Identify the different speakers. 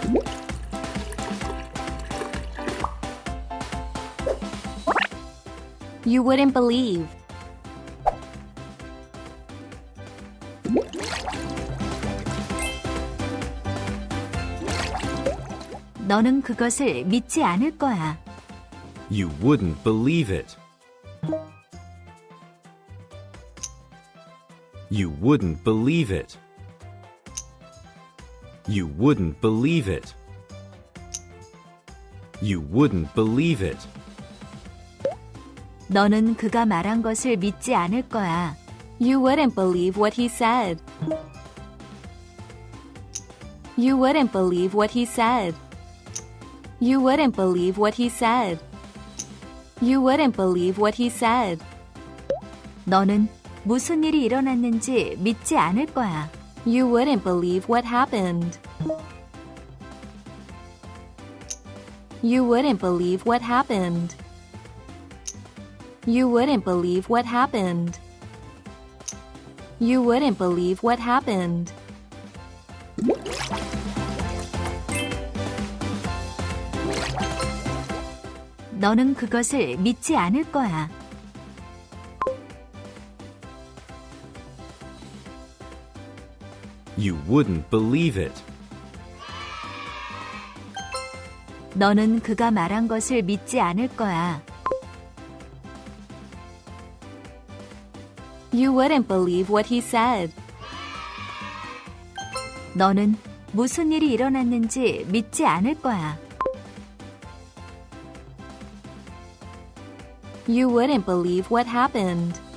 Speaker 1: You wouldn't believe. 너는 그것을 믿지 않을 거야.
Speaker 2: You wouldn't believe it. You wouldn't believe it. You wouldn't believe it. You wouldn't believe it.
Speaker 1: 너는 그가 말한 것을 믿지 않을 거야. You wouldn't believe what he said. You wouldn't believe what he said. You wouldn't believe what he said. You wouldn't believe what he said. 너는 무슨 일이 일어났는지 믿지 않을 거야. You wouldn't believe what happened. You wouldn't believe what happened. You wouldn't believe what happened. You wouldn't believe what happened. 너는 그것을 믿지 않을 거야.
Speaker 2: You wouldn't believe it.
Speaker 1: 너는 그가 말한 것을 믿지 않을 거야. You wouldn't believe what he said. 너는 무슨 일이 일어났는지 믿지 않을 거야. You wouldn't believe what happened.